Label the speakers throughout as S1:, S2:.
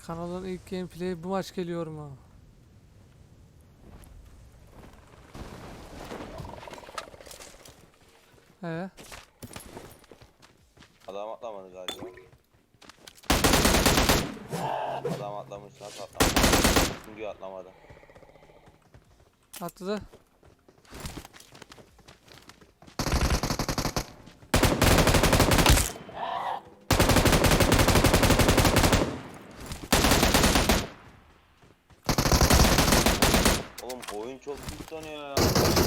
S1: Kanalın ilk gameplay'i bu maç geliyor mu? He.
S2: Adam atlamadı galiba. Adam atlamış, nasıl atlamadı? Çünkü atlamadı.
S1: Atladı.
S2: Oğlum oyun çok pis dönüyor ya.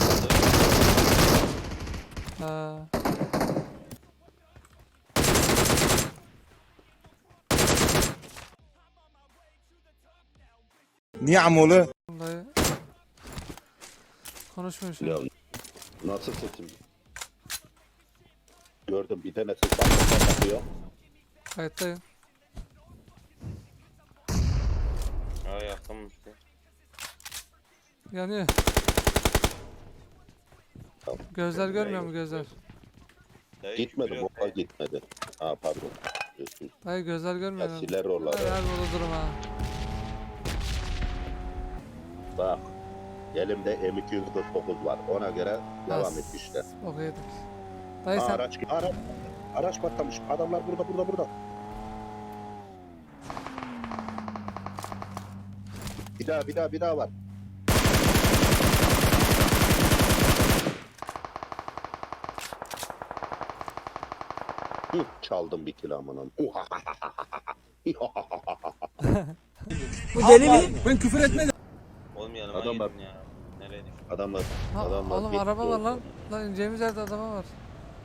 S1: Ha.
S3: Niye amolu?
S1: Vallahi konuşmuyor şu
S4: Ya
S1: an.
S4: nasıl sesim? Gördüm bir tane ses bakıyor.
S1: Kayıttayım.
S2: Ya yakınmıştı.
S1: Yanıyor.
S4: Tamam.
S1: Gözler görmüyor mu gözler?
S2: Dayı
S4: Gitmedi
S2: küfür
S4: bomba
S2: yok.
S4: gitmedi. Ha pardon.
S1: Hayır gözler görmüyor mu?
S4: Siler oraları.
S1: Her burada durum ha.
S4: Bak. Elimde M249 var. Ona göre devam et işte.
S1: Bok yedik. Dayı
S4: Ha,
S1: sen
S4: araç patlamış. Adamlar burada. Bir daha var. Hı, çaldım bir kilo amanım.
S5: Bu deli mi? Ben küfür etmedim.
S2: Oğlum yanıma
S4: Adamlar-
S2: gidin ya. Nereye düştün?
S4: Adamlar
S1: ha, oğlum
S4: gitti
S1: araba var
S4: oldu.
S1: lan. Lan ineceğimiz yerde araba var.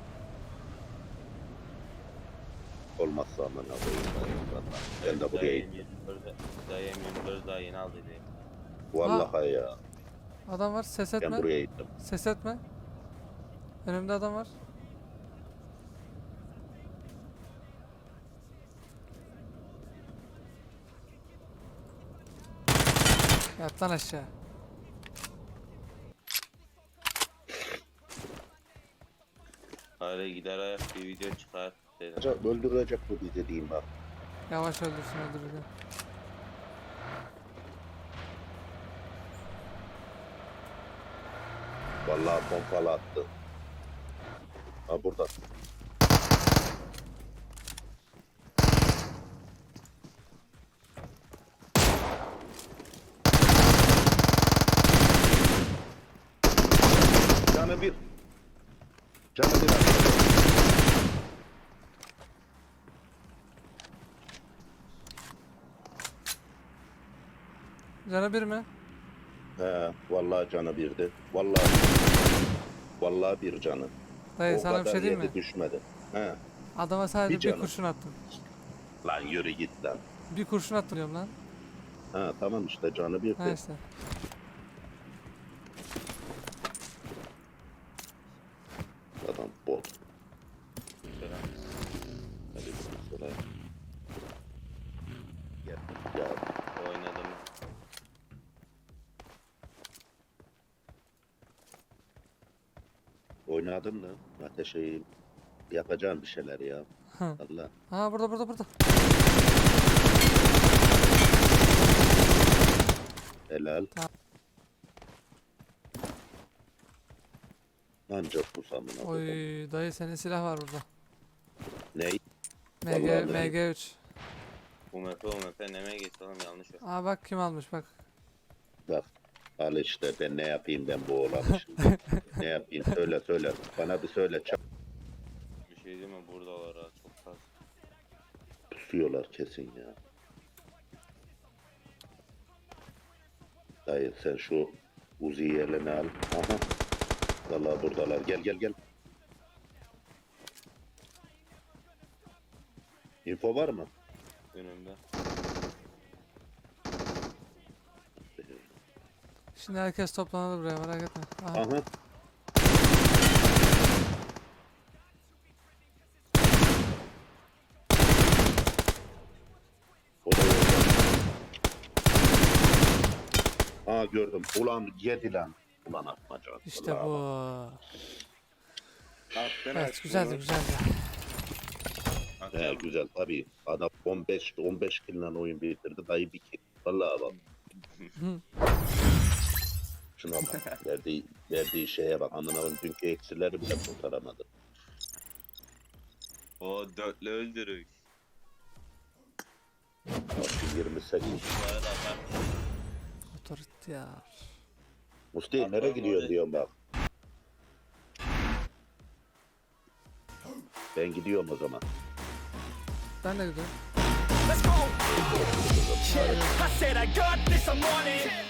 S4: Olmazsa aman Allah'ım. Ben de buraya gittim.
S2: Dayı M24 daha yeni aldı diye.
S4: Vallahi ya.
S1: Adam var ses
S4: Ben
S1: etme.
S4: buraya gittim.
S1: Ses etme. Önümde adam var. Yat lan aşağı.
S2: Hadi gider ayak bir video çıkar dedim.
S4: Acaba öldürecek bu bizi diyeyim bak.
S1: Yavaş öldürsün öldürürken.
S4: Vallahi pompalı attı. Ha burada. Canı bir. Canı bir.
S1: Canı bir mi?
S4: He, vallahi canı birdi. Vallahi bir canı.
S1: Dayı
S4: O
S1: sana bir
S4: kadar
S1: şey diyeyim mi?
S4: yedi düşmedi. He.
S1: Adama sadece
S4: Bir
S1: bir
S4: canım.
S1: kurşun attım.
S4: Lan yürü git lan.
S1: Bir kurşun attım diyorum lan.
S4: Ha tamam işte canı birdi.
S1: Ha işte.
S4: Adam bot.
S2: Selam.
S4: Hadi sonra. Ya
S2: Oynadım.
S4: oynadın mı? Ateşi yapacağım bir şeyler ya.
S1: Hı.
S4: Allah.
S1: Ha burada.
S4: Helal.
S1: Tamam.
S4: Ancak bu samına.
S1: Oy dayı senin silah var burada.
S4: Ney?
S1: MG,
S4: Vallahi
S1: MG3.
S2: UMP neme gitti oğlum yanlış yok.
S1: Aa bak kim almış bak.
S4: Bak. Al işte ben ne yapayım ben bu olamışım. Ne yapayım söyle. Bana bir söyle.
S2: Bir şey değil mi buradalar ha çok fazla.
S4: Pusuyorlar kesin ya. Dayı sen şu Uzi'yi eline al. Aha. Vallahi buradalar. Gel. Info var mı?
S2: Önümde.
S1: Şimdi herkes toplanır buraya merak etme. Aha.
S4: Aha. O da yok. Aa gördüm. Ulan yedi lan. Ulan atmaca.
S1: İşte
S4: Ulan.
S1: bu.
S2: Attın
S1: Evet güzeldi.
S2: Attın
S4: He güzel tabii. Adam 15 kill oyun bitirdi. Dayı bir kill. Vallahi bak. Şuna bak. Verdiği şeye bak. Anlamın dünkü eksileri bile kurtaramadı.
S2: O dörtlü öldürük.
S4: Bak 28.
S2: Bu arada ben
S1: Otoriter.
S4: Musti nereye gidiyorsun diyorum bak. Ben gidiyorum o zaman.
S1: Ben de gidiyorum.
S3: Let's go. Yeah, I said I got this, I'm on it.